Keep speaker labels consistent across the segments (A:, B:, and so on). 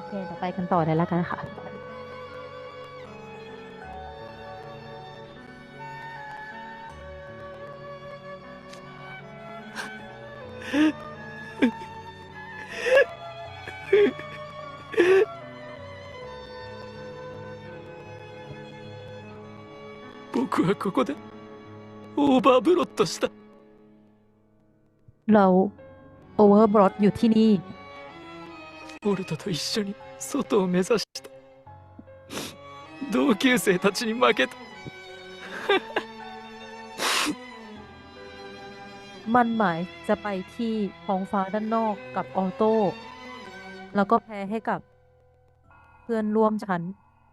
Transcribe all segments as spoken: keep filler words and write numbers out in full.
A: เคเดี๋ยวไปกันต่อเลยแล้วกันค่ะ
B: 僕はここでオーバーブロッドした。
A: เราโอเวอร์บรอดอยู่ที่นี่
B: ボルトと一緒に外を目指した同級生たちに負けた。
A: มันหมายจะไปที่ท้องฟ้าด้านนอกกับออโต้แล้วก็แพ้ให้กับเพื่อนร่วมชั้น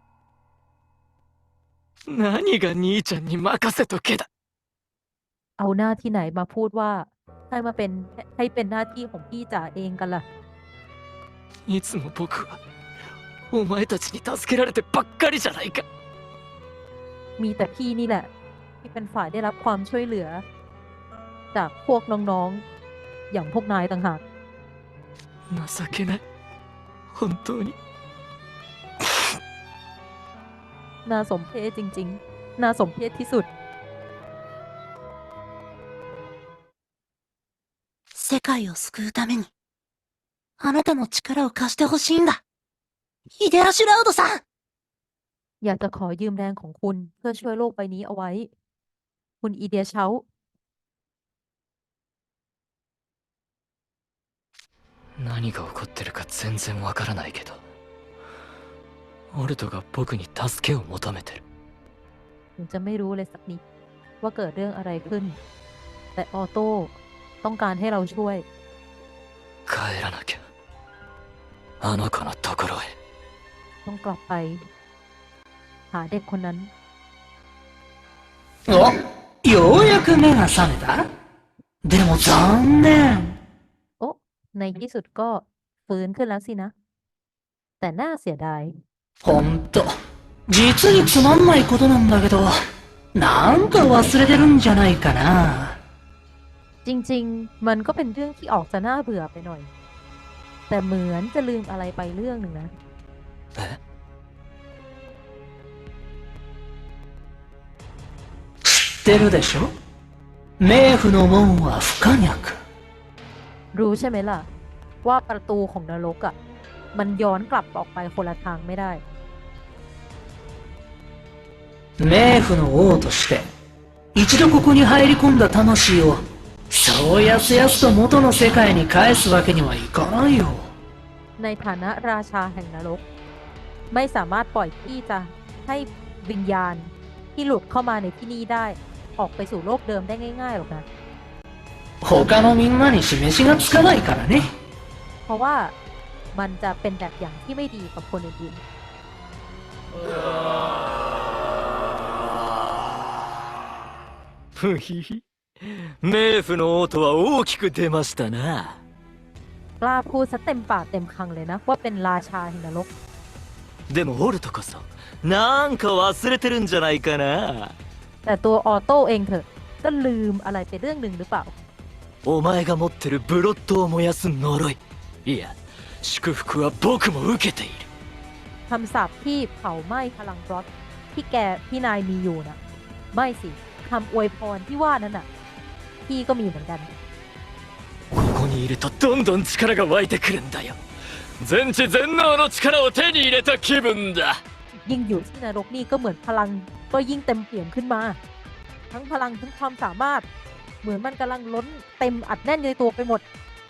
B: 何が兄ちゃんに任せとけだ。
A: เอาหน้าที่ไหนมาพูดว่าให้มาเป็นให้เป็นหน้าที่ของพี่จ๋าเองกันล่ะ
B: いつも僕はお前たちに助けられてばっかりじゃないか。
A: มีแต่พี่นี่แหละที่เป็นฝ่ายได้รับความช่วยเหลือจากพวกน้องๆอย่างพวกนายต่างหาก
B: 情けない本当に。
A: น่าสมเพชจริงๆน่าสมเพชที่สุด
C: 世界を救うために、あなたの力を貸してほしいんだ。ヒデアシュラウドさん。
A: อยากจะขอยืมแรงของคุณเพื่อช่วยโลกใบนี้เอาไว้ คุณอีเดียเชา
B: 何が起こってるか全然わからないけどオルトが僕に助けを求めてる。
A: ถึงจะไม่รู้เลยสักนิดว่าเกิดเรื่องอะไรขึ้น แต่ออโต้ต้องการให้เราช่วย
B: 帰らなきゃあの子のところへ。
A: ต้องกลับไป หาเด็กคนนั้น
C: お、ようやく目が覚めた。でも残念。
A: โอ้ในที่สุดก็ฟื้นขึ้นแล้วสินะ แต่น่าเสียดาย
C: ほんと、実につまんないことなんだけど、なんか忘れてるんじゃないかな。
A: จริงๆ มันก็เป็นเรื่องที่ออกจะน่าเบื่อไปหน่อย แต่เหมือนจะลืมอะไรไปเรื่องหนึ่งนะ
B: え
C: 知ってるでしょ？冥府の門は不可逆。
A: รู้ใช่ไหมล่ะ ว่าประตูของนรกอ่ะ มันย้อนกลับออกไปคนละทางไม่ได้
C: 冥府の王として一度ここに入り込んだ魂をそうやすやすと元の世界に返すわけにはいかないよ。
A: ในฐานะราชาแห่งนรก ไม่สามารถปล่อยที่จะให้วิญญาณที่หลุดเข้ามาในที่นี่ได้ ออกไปสู่โลกเดิมได้ง่ายๆหรอกนะ
C: 他のみんなに示しがつかないからね。
A: เพราะว่ามันจะเป็นแบบอย่างที่ไม่ดีกับคนอื่น
B: ふひひ冥府の王とは大きく出ましたな。
A: ๆกล้าพูดซะเต็มปากเต็มคำเลยนะ ว่าเป็นราชาแห่งนรก
B: でもオルトこそなんか忘れてるんじゃないかな。
A: แต่ตัวออโต้เองเถอะก็ลืมอะไรไปเรื่องหนึ่งหรือเปล่า
B: お前が持ってるブロッドを燃やす呪い、いや祝福は僕も受けている。
A: คำสาปที่เผาไหม้พลังบล็อตที่แกพี่นายมีอยู่นะไม่สิคำอวยพรที่ว่านั้นน่ะ พี่ก็มีเหมือนกัน
B: ここにいるとどんどん力が湧いてくるんだよ。全知全能の力を手に入れた気分だ。
A: ยิ่งอยู่ที่นรกนี่ก็เหมือนพลังก็ยิ่งเต็มเปี่ยมขึ้นมา ทั้งพลังทั้งความสามารถ เหมือนมันกำลังล้นเต็มอัดแน่นในตัวไปหมด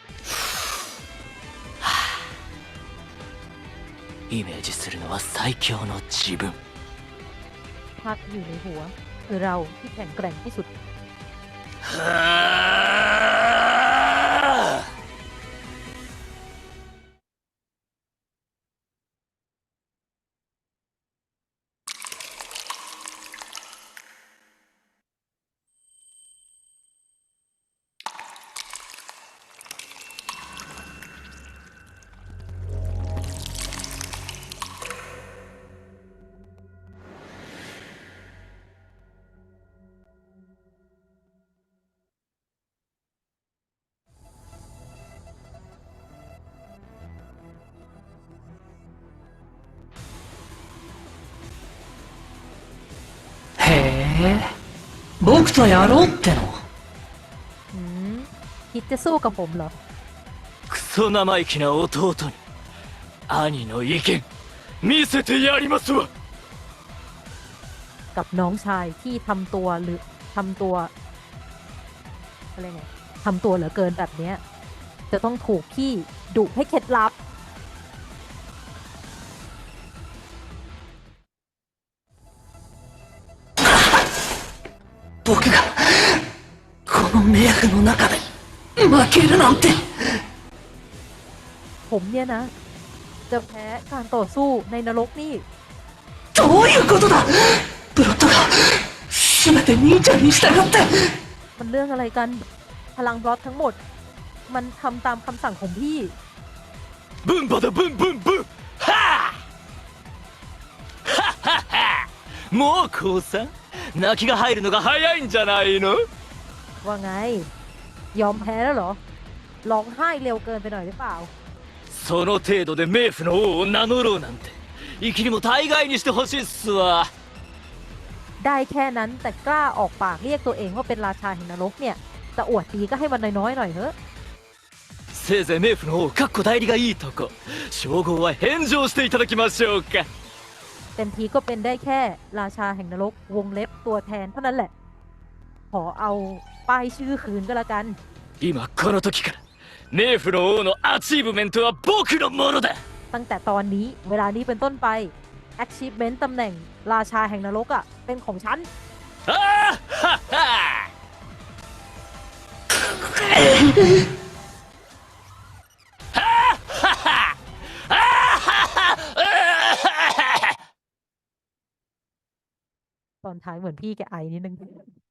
B: イメージするのは最強の自分。
A: ภาพที่อยู่ในหัวคือเราที่แข็งแกร่งที่สุด
B: はあ
C: え僕とやろうっての？
A: อืมคิดจะสู้กับผมเหรอ
B: クソ生意気な弟に兄の意見見せてやりますわ。
A: กับน้องชายที่ทำตัวหรือทำตัวอะไรไงทำตัวเหลือเกินแบบเนี้ยจะต้องถูกพี่ดุให้เคล็ดลับ
C: 僕がこの冥府の中で負けるなんて。
A: ผมเนี่ยนะ จะแพ้การต่อสู้ในนรกนี่
C: どういうことだ。ブロッドが全て兄ちゃんに従って。
A: มันเรื่องอะไรกันพลังบล็อตทั้งหมด มันทำตามคำสั่งของพี่
B: ブンバだブンブンブンはあはっはっはもう降参泣きが入るのが早いんじゃないの。
A: ว่าไง ยอมแพ้แล้วเหรอ ร้องไห้เร็วเกินไปหน่อยหรือเปล่า
B: その程度で冥府の王を名乗ろうなんて息にも大概にしてほしいっすわ。
A: ได้แค่นั้นแต่กล้าออกปากเรียกตัวเองว่าเป็นราชาแห่งนรกเนี่ยจะอวดดีก็ให้มันน้อยๆหน่อยเถอะ
B: せいぜい冥府の王かっこ代理がいいとこ称号は返上していただきましょうか。
A: เต็มทีก็เป็นได้แค่ราชาแห่งนรกวงเล็บตัวแทนเท่านั้นแหละ ขอเอาป้ายชื่อคืนก็แล้วกัน
B: 今この時から冥府の王のアチーブメントは僕のものだ。
A: ตั้งแต่ตอนนี้เวลานี้เป็นต้นไป achievement ตำแหน่งราชาแห่งนรกอะ่ะเป็นของฉัน
B: ああはっは
A: ตอนท้ายเหมือนพี่แกไอนิดนึง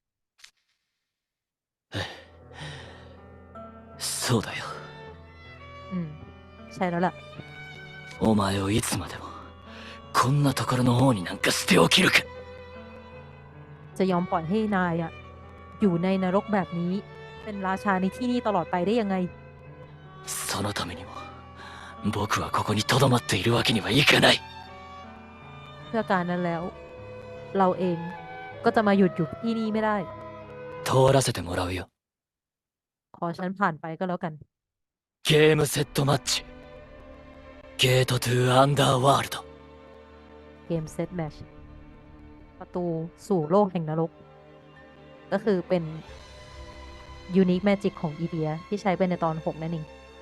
B: そうだよ。
A: อืม ใช่แล้วล่ะ
B: お前をいつまでもこんなところの王になんか捨ておきるか。
A: จะยอมปล่อยให้นายอะอยู่ในนรกแบบนี้ เป็นราชาในที่นี่ตลอดไปได้ยังไง
B: そのためにも僕はここに留まっているわけにはいかない。
A: เพื่อการนั้นแล้ว เราเองก็จะมาหยุดอยู่ที่นี่ไม่ได้
B: 通らせてもらうよ。
A: ขอฉันผ่านไปก็แล้วกัน
B: ゲームセットマッチゲートトゥアンダーワールド。
A: เกมเซตแมชประตูสู่โลกแห่งนรก ก็คือเป็นยูนิคแมจิกของอีเดียที่ใช้ไปในตอนหกนั่นเอง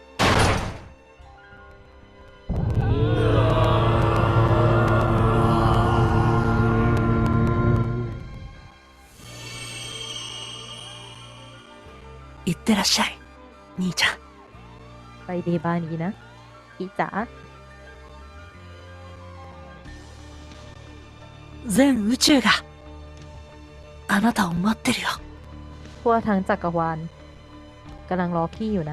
C: いってらっしゃい兄ちゃん。
A: ไปเดบานี้นะพี่จ๋า
C: 全宇宙があなたを待ってるよ。
A: ทั่วทั้งจักรวาลกำลังรอพี่อยู่นะ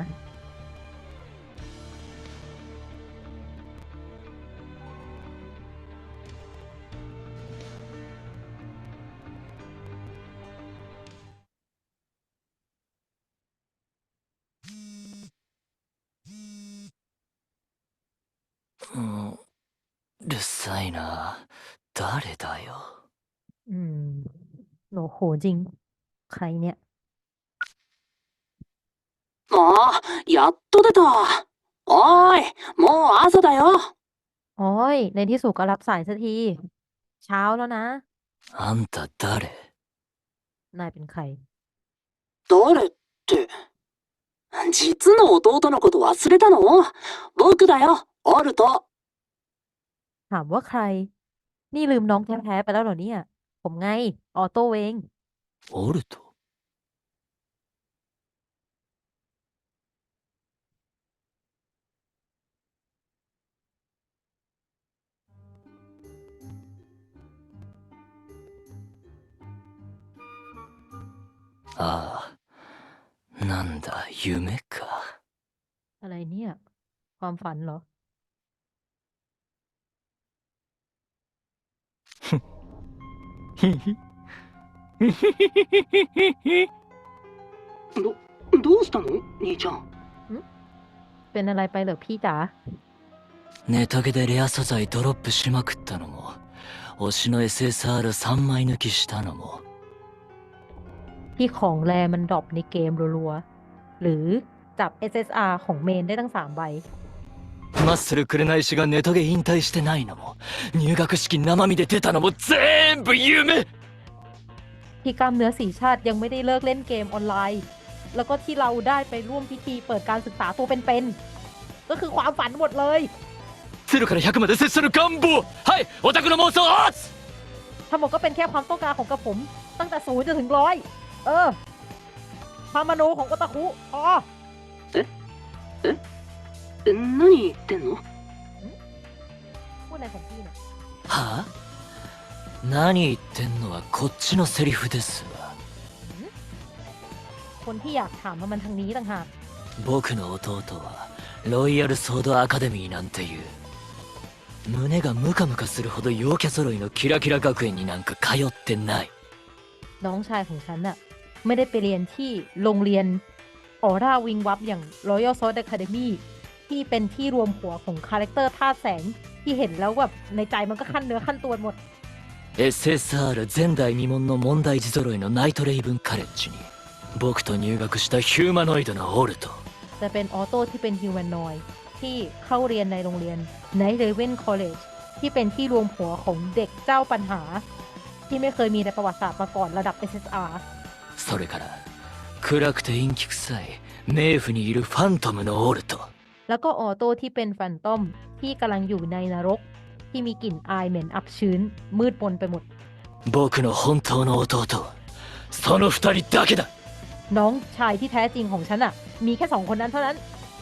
B: うんうるさいな。誰だよ。
A: อืมโหโหจริง ใครเนี่ย
D: ああ、やっと出た。おーい、もう朝だよ。
A: โอ้ยในที่สุดก็รับสายสักที เช้าแล้วนะ
B: あんた誰。
A: นายเป็นใคร
D: 誰って。実の弟のこと忘れたの？僕だよ、オルト。
A: ถามว่าใคร นี่ลืมน้องแท้ๆไปแล้วเหรอเนี่ย ผมไง ออโต้เอง
B: オルト。ああ、なんだ夢か。
A: อะไรเนี่ย ความฝันเหรอ
D: ど、どうしたの兄ちゃん。
A: เป็นอะไรไปเหรอพี่จ๋า
B: ネタゲでレア素材ドロップしまくったのも推しの エスエスアールさん 枚抜きしたのも
A: ที่ของแรมันดรอปในเกมรัวๆ หรือจับ เอส เอส อาร์ ของเมนได้ตั้งสามใบ
B: マッスル紅石がネトゲ引退してないのも入学式生身で出たのも全部夢
A: ที่กล้ามเนื้อสีชาติยังไม่ได้เลิกเล่นเกมออนไลน์ แล้วก็ที่เราได้ไปร่วมพิธีเปิดการศึกษาตัวเป็นๆ ก็คือความฝันหมดเลย
B: ゼロからひゃくまで拙者の願望はいオタクの妄想アーツ
A: ทั้งหมดก็เป็นแค่ความต้องการของกระผม ตั้งแต่ศูนย์จนถึงร้อย เออความมโนของโอตาคุพอ
D: え、何言ってんの？
A: พูดอะไรของพี่เนี่ย
B: はあ何言ってんのはこっちのセリフですわ
A: คนที่อยากถามว่ามันทางนี้ต่างหาก
B: 僕の弟はロイヤルソードアカデミーなんていう胸がムカムカするほど陽キャ揃いのキラキラ学園になんか通ってない
A: น้องชายของฉันน่ะไม่ได้ไปเรียนที่โรงเรียนออร่าวิงวับอย่าง Royal Sword Academy ที่เป็นที่รวมหัวของคาแรคเตอร์ธาตุแสงที่เห็นแล้วแบบในใจมันก็ขั้นเนื้อขั้นตัวหมด
B: エスエスアール 前代未聞の問題児揃いのナイトレイブンカレッジに僕と入学したヒューマノイドのオルト
A: จะเป็นออโต้ที่เป็นฮิวแมนนอยด์ที่เข้าเรียนในโรงเรียน Night Raven College ที่เป็นที่รวมหัวของเด็กเจ้าปัญหา ที่ไม่เคยมีในประวัติศาสตร์มาก่อนระดับ เอส เอส อาร์
B: それから暗くて陰気臭い冥府にいるファントムのオルト
A: แล้วก็ออโต้ที่เป็นแฟนตอมที่กำลังอยู่ในนรก ที่มีกลิ่นอายเหม็นอับชื้น มืดมนไปหมด
B: 僕の本当の弟はその二人だけだ
A: น้องชายที่แท้จริงของฉันอะมีแค่สองคนนั้นเท่านั้น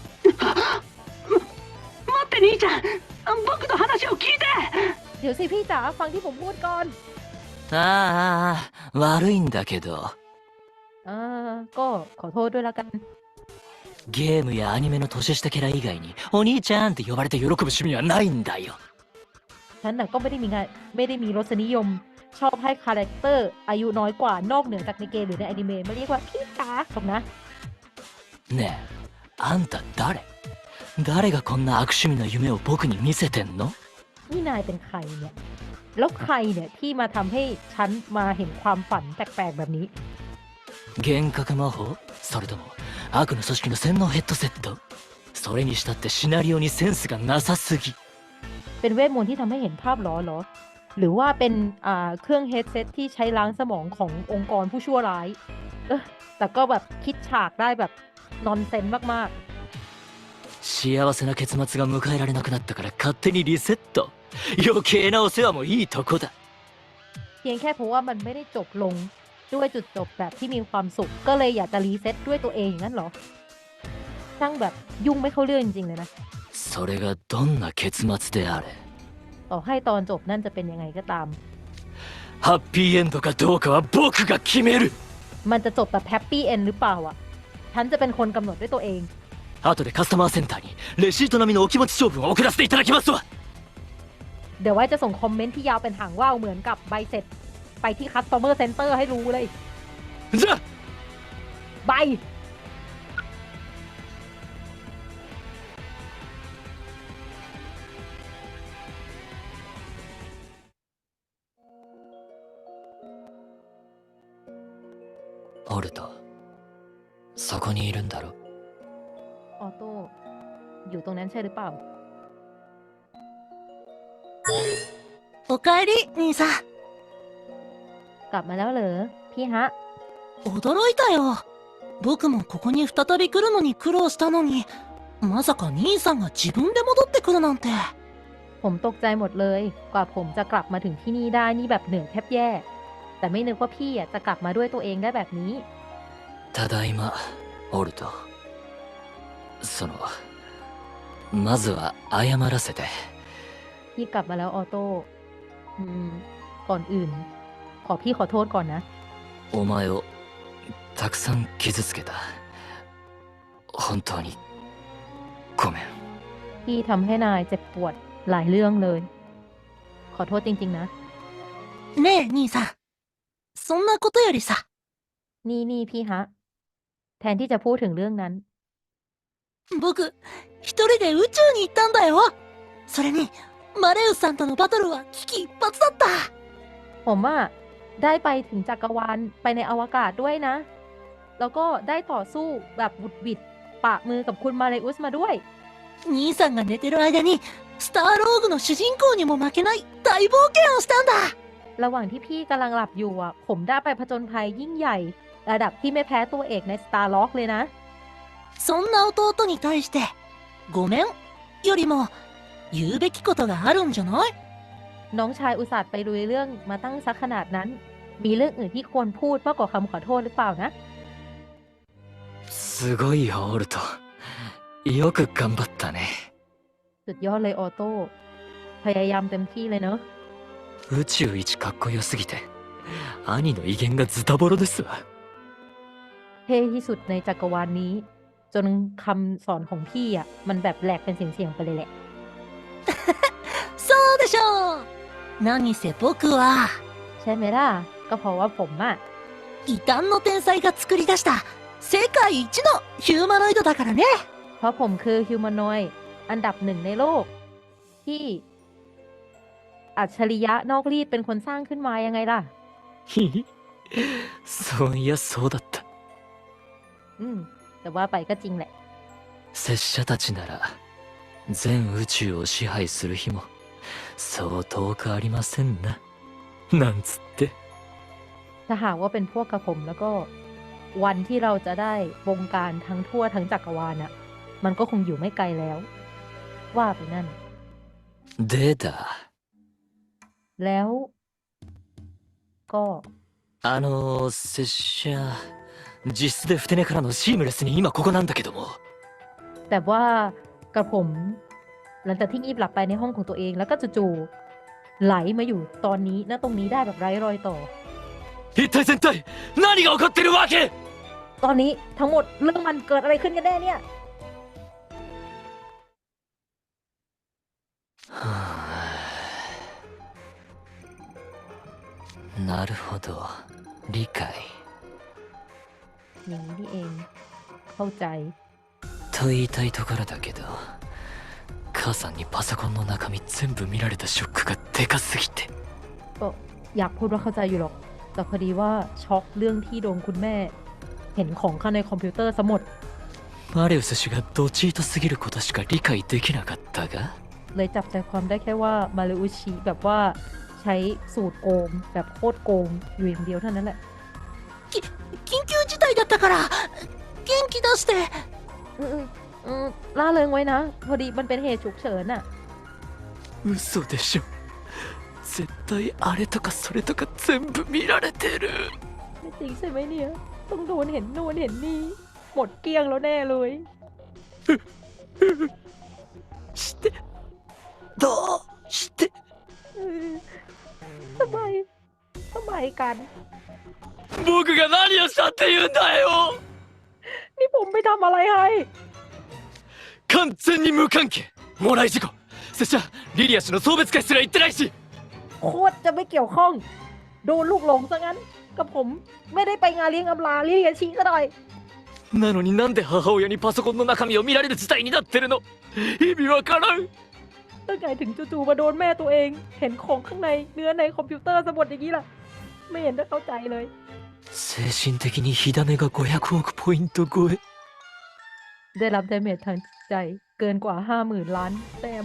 D: 待って兄ちゃん、僕の話を聞いて。
A: เดี๋ยวสิพี่จ๋าฟังที่ผมพูดก่อน
B: ああ悪いんだけど
A: อ่าก็ขอโทษด้วยละกัน
B: ゲームやアニメの年下キャラ以外にお兄ちゃんって呼ばれて喜ぶ趣味はないんだよ
A: ฉันน่ะก็ไม่ได้มีงานไม่ได้มีรสนิยม ชอบให้คาแรคเตอร์อายุน้อยกว่านอกเหนือจากในเกมหรือในอนิเมะมาเรียกว่าพี่จ๋าหรอกนะ
B: ねえあんた誰誰がこんな悪趣味な夢を僕に見せてんの
A: นี่นายเป็นใครเนี่ย แล้วใครเนี่ยที่มาทำให้ฉันมาเห็นความฝันแปลกๆแบบนี้
B: 幻覚魔法それとも悪の組織の洗脳ヘッドセットそれにしたってシナリオにセンスがなさすぎ
A: เป็นเวทมนต์ที่ทำให้เห็นภาพหรอเหรอ หรือว่าเป็นอ่าเครื่องเฮดเซตที่ใช้ล้างสมองขององค์กรผู้ชั่วร้ายเออแต่ก็แบบคิดฉากได้แบบนอนเซนมาก
B: 幸せな結末が迎えられなくなったから勝手にリセット余計なお世話もいいとこだ
A: ๆ เพียงแค่เพราะว่ามันไม่ได้จบลงด้วยจุดจบแบบที่มีความสุข ก็เลยอยากจะรีเซ็ตด้วยตัวเองอย่างนั้นเหรอ ช่างแบบยุ่งไม่เข้าเรื่องจริงๆเลยนะ
B: それがどんな結末であれ
A: ต่อให้ตอนจบนั่นจะเป็นยังไงก็ตาม
B: ハッピーエンドかどうかは僕が決める
A: มันจะจบแบบแฮปปี้เอนหรือเปล่าอ่ะ ฉันจะเป็นคนกำหนดด้วยตัวเอง
B: 後でカスタマーセンターにレシート並みのお気持ち長文を送らせていただきますわ
A: เดี๋ยวไว้จะส่งคอมเมนต์ที่ยาวเป็นหางว่าวเหมือนกับใบเสร็จ ไปที่ Customer Center ให้รู้เลย
B: じゃあ
A: ใบ
B: オルトそこにいるんだろ
A: ออโต้อยู่ตรงนั้นใช่หรือเปล่า
E: おかえり、兄さん。
A: กลับมาแล้วเหรอพี่ฮะ
E: 驚いたよ。僕もここに再び来るのに苦労したのに、まさか兄さんが自分で戻ってくるなんて。
A: ผมตกใจหมดเลย กว่าผมจะกลับมาถึงที่นี่ได้นี่แบบเหนื่อยแทบแย่ แต่ไม่นึกว่าพี่อ่ะจะกลับมาด้วยตัวเองได้แบบนี้
B: ただいまオルトそのまずは謝らせて
A: พี่กลับมาแล้วออโต้อืม ก่อนอื่น ขอพี่ขอโทษก่อนนะ
B: お前をたくさん傷つけた本当にごめん
A: พี่ทำให้นายเจ็บปวดหลายเรื่องเลย ขอโทษจริงๆนะ
E: ねえ、兄さん。そんなことよりさ、
A: นี่นี่พี่ฮะ แทนที่จะพูดถึงเรื่องนั้น
E: 僕、一人で宇宙に行ったんだよ。それに、 マレウスさんとのバトルは危機一髪だった。
A: ผมอะได้ไปถึงจักรวาลไปในอวกาศด้วยนะ แล้วก็ได้ต่อสู้แบบบุดบิดปะมือกับคุณมาเลอุสมาด้วย
E: 兄さんが寝てる間にスターローグの主人公にも負けない大冒険をしたんだ。
A: ระหว่างที่พี่กำลังหลับอยู่อ่ะ ผมได้ไปผจญภัยยิ่งใหญ่ ระดับที่ไม่แพ้ตัวเอกใน Star Lock เลยนะ
E: そんな弟に対してごめんよりも言うべきことがあるんじゃない？
A: น้องชายอุตส่าห์ไปลุยเรื่องมาตั้งซักขนาดนั้น มีเรื่องอื่นที่ควรพูดมากกว่าคำขอโทษหรือเปล่านะ
B: すごいよオルト。よく頑張ったね。
A: สุดยอดเลยออโต้ พยายามเต็มที่เลยเนอะ
B: 宇宙一かっこよすぎて兄の威厳がズタボロですわ。
A: เท่ที่สุดในจักรวาลนี้ จนคำสอนของพี่อ่ะ มันแบบแหลกเป็นเสียงๆไปเลยแหละ
E: そうでしょう。何せ僕は
A: ใช่ไหมล่ะ ก็เพราะว่าผมอ่ะ
E: 異端の天才が作り出した世界一のヒューマノイドだからね。
A: เพราะผมคือฮิวแมนอยด์อันดับหนึ่งในโลก ที่อัจฉริยะนอกรีดเป็นคนสร้างขึ้นมายังไงล่ะ
B: ひひそういやそうだった。
A: อืม แต่ว่าไปก็จริงแหละ
B: 拙者たちなら全宇宙を支配する日もそう遠くありませんな。なんつって。
A: ถ้าหากว่าเป็นพวกกระผมแล้วก็ วันที่เราจะได้บงการทั้งทั่วทั้งจักรวาลน่ะ มันก็คงอยู่ไม่ไกลแล้ว ว่าไปนั่น
B: でだ。
A: แล้ว ก็
B: あの拙者実質でふて寝からのシームレスに今ここなんだけども。
A: แต่ว่ากระผม หลังจากที่งีบหลับไปในห้องของตัวเอง แล้วก็จู่ๆไหลมาอยู่ตอนนี้ณตรงนี้ได้แบบไร้รอยต่อ
B: 一体全体何が起こってるわけ？
A: ตอนนี้ทั้งหมดเรื่องมันเกิดอะไรขึ้นกันแน่เนี่ย
B: はあなるほど理解。
A: อย่างนี้นี่เอง เข้าใจ
B: と言いたいところだけど母さんにパソコンの中身全部見られたショックがでかすぎて。
A: ก็อยากพูดว่าเข้าใจอยู่หรอก แต่พอดีว่าช็อกเรื่องที่โดนคุณแม่ เห็นของข้างในคอมพิวเตอร์ซะหมด
B: マレウス氏がドチートすぎることしか理解できなかったが。
A: เลยจับใจความได้แค่ว่ามาเลอุชิแบบว่าใช้สูตรโกงแบบโคตรโกงอยู่อย่างเดียวเท่านั้นแหละ
E: 緊急事態だったから元気出して。
A: อืมอืมล่าเริงไว้นะ พอดีมันเป็นเหตุฉุกเฉินน่ะ
B: 嘘でしょ。絶対あれとかそれとか全部見られてる。
A: ไม่จริงใช่ไหมเนี่ย ต้องโดนเห็นโน่นเห็นนี่ หมดเกลี้ยงแล้วแน่เลย
B: してどうして
A: เออทำไมทำไมกัน
B: 僕が何をしたって言うんだよ。
A: นี่ผมไปทำอะไรให้
B: 完全に無関係。もらい事故。拙者リリア氏の送別会すら行ってないし。
A: โคตรจะไม่เกี่ยวข้อง โดนลูกหลงซะงั้น กับผมไม่ได้ไปงานเลี้ยงอำลาลิเลียชีซะหน่อย
B: なのになんで母親にパソコンの中身を見られる事態になってるの？意味わからん。
A: ตั้งไงถึงจู่ๆมาโดนแม่ตัวเอง เห็นของข้างในเนื้อในคอมพิวเตอร์สมุดอย่างนี้ล่ะ ไม่เห็นจะเข้าใจเลย
B: 精神的に火種がごひゃくおくポイント超え。
A: ได้รับดาเมจทางจิตใจเกินกว่าห้าหมื่นล้านแต้ม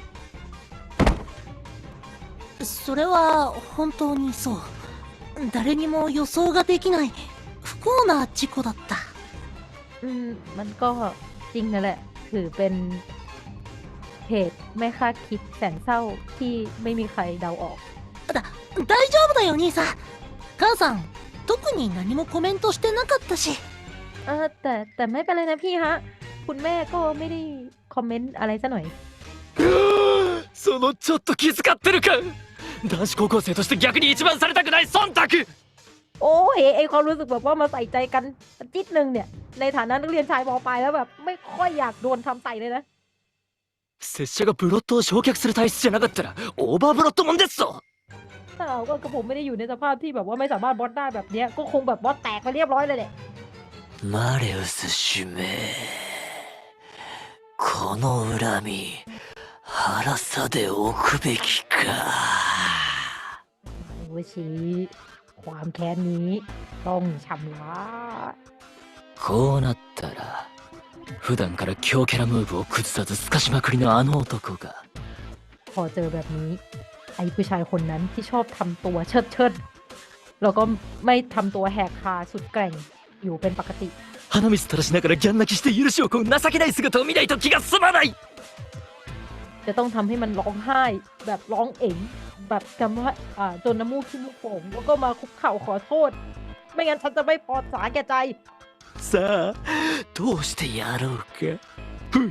E: それは本当にそう。誰にも予想ができない不幸な事故だった。
A: อืม มันก็จริงนั่นแหละ ถือเป็นเหตุไม่คาดคิดแสนเศร้าที่ไม่มีใครเดาออก
E: だ大丈夫だよ兄さん。母さん特に何もコメントしてなかったし。
A: เออแต่แต่ไม่เป็นไรนะพี่ฮะ คุณแม่ก็ไม่ได้คอมเมนต์อะไรซะหน่อย
B: そのちょっと気遣ってるか。男子高校生として逆に一番されたくない忖度。
A: โอ้เฮ้ไอความรู้สึกแบบว่ามาใส่ใจกันจิตหนึ่งเนี่ย ในฐานะนักเรียนชายมปลายแล้วแบบ ไม่ค่อยอยากโดนทำใส่เลยนะ
B: 拙者がブロットを焼却する体質じゃなかったらオーバーブロットもんですぞ。
A: ถ้าเอาก็กระผมไม่ได้อยู่ในสภาพที่แบบว่าไม่สามารถบอสได้แบบเนี้ย ก็คงแบบบอสแตกไปเรียบร้อยเลยแหละ
B: マレウス主命、この恨み辛さで置くべきか。
A: โอชิความแค้นนี้ต้องชำระ
B: こうなったら普段から強キャラムーブを崩さずすかしまくりのあの男が
A: พอเจอแบบนี้ ไอ้ผู้ชายคนนั้นที่ชอบทำตัวเชิดเชิดแล้วก็ไม่ทำตัวแหกคาสุดแกร่งอยู่เป็นปกติ
B: 鼻水垂らしながらギャン泣きして許しを請う情けない姿を見ないと気が済まない。
A: จะต้องทำให้มันร้องไห้ แบบร้องเอ๋งแบบคำว่าอ่าจนน้ำมูกขึ้นลูกโป่งแล้วก็มาคุกเข่าขอโทษ ไม่งั้นฉันจะไม่พอสาแก่ใจ
B: さあどうしてやろうか。ふひ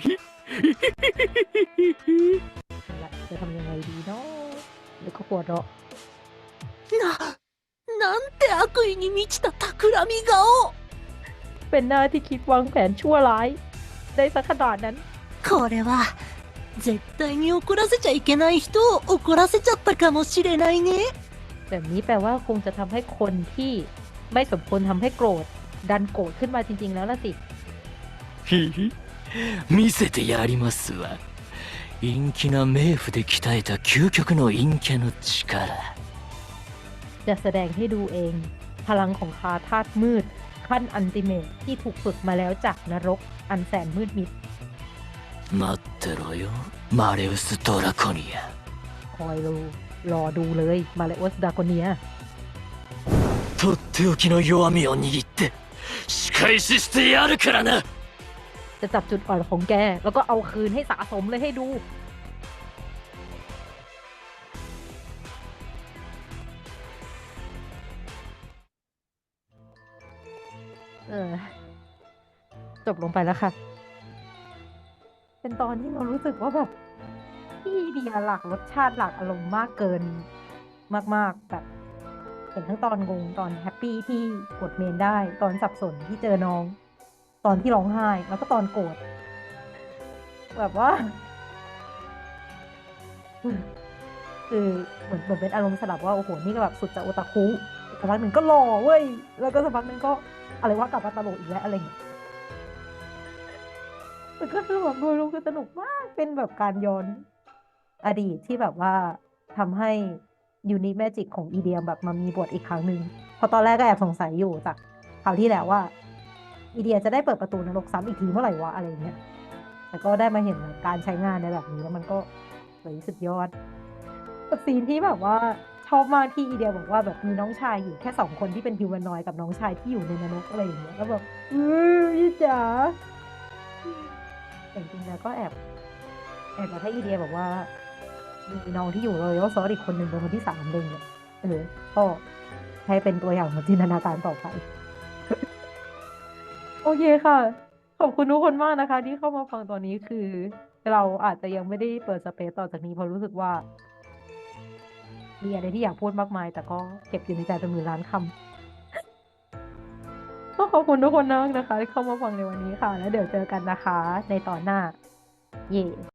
A: นั่นแหละจะทำยังไงดีเนาะแล้วก็ปวดเราะ
E: な、なんて悪意に満ちた企み顔。
A: เป็นหน้าที่คิดวางแผนชั่วร้ายได้สักขนาดนั้น
E: これは絶対に怒らせちゃいけない人を怒らせちゃったかもしれないね。
A: แบบนี้แปลว่าคงจะทำให้คนที่ไม่สมควรทำให้โกรธ ดันโกรธขึ้นมาจริงๆแล้วล่ะสิ
B: ひひ見せてやりますわ。陰気な冥府で鍛えた究極の陰キャの力。
A: จะแสดงให้ดูเอง พลังของคาธาตุมืด ขั้นอันติเมตที่ถูกฝึกมาแล้วจากนรก อันแสนมืดมิด
B: 待ってろよマレウス・ドラコニア。
A: คอยดูรอดูเลย มาเลโอสดาโกเนีย
B: とっておきの弱みを握って仕返ししてやるからな。
A: จะจับจุดอ่อนของแก แล้วก็เอาคืนให้สะสมเลยให้ดู เออ จบลงไปแล้วค่ะ เป็นตอนที่เรารู้สึกว่าแบบพี่เดียหลากรสชาติหลากอารมณ์มากเกินมากๆแบบเห็นทั้งตอนงงตอนแฮปปี้ที่กดเมนได้ ตอนสับสนที่เจอน้อง ตอนที่ร้องไห้ แล้วก็ตอนโกรธแบบว่า คือเหมือนเหมือนเป็นอารมณ์สลับว่าโอ้โหนี่ก็แบบสุดจะโอตาคุสักพักหนึ่งก็หล่อเว้ยแล้วก็สักพักหนึ่งก็อะไรว่ากลับมาตลกอีกแล้วอะไรอย่างเงี้ยแต่ก็คือแบบโดยรวมคือสนุกมากเป็นแบบการย้อนอดีตที่แบบว่าทำให้ยูนิแมจิกของอีเดียมแบบมามีบทอีกครั้งหนึ่งเพราะตอนแรกก็แอบสงสัยอยู่จากคราวที่แล้วว่าอีเดียจะได้เปิดประตูนรกซ้ำอีกทีเมื่อไหร่วะอะไรอย่างเงี้ยแต่ก็ได้มาเห็นการใช้งานในแบบนี้แล้วมันก็สวยสุดยอดกับซีนที่แบบว่าชอบมากที่อีเดียบอกว่าแบบมีน้องชายอยู่แค่สองคนที่เป็นฮิวแมนนอยด์กับน้องชายที่อยู่ในนรกอะไรอย่างเงี้ยแล้วแบบอือพี่จ๋าแต่จริงๆแล้วก็แอบแอบมาให้อีเดียบอกว่ามีน้องที่อยู่เลยว่าซอสอีกคนหนึ่งเป็นคนที่สามเลยเนี่ยเออก็ให้เป็นตัวอย่างของจินตนาการต่อไป โอเคค่ะ ขอบคุณทุกคนมากนะคะ ที่เข้ามาฟังตอนนี้คือ เราอาจจะยังไม่ได้เปิดสเปซต่อจากนี้เพราะรู้สึกว่า มีอะไรที่อยากพูดมากมาย แต่ก็เก็บอยู่ในใจเป็นหมื่นล้านคำก็ขอบคุณทุกคนมากนะคะ ที่เข้ามาฟังในวันนี้ค่ะ แล้วเดี๋ยวเจอกันนะคะ ในตอนหน้า เย่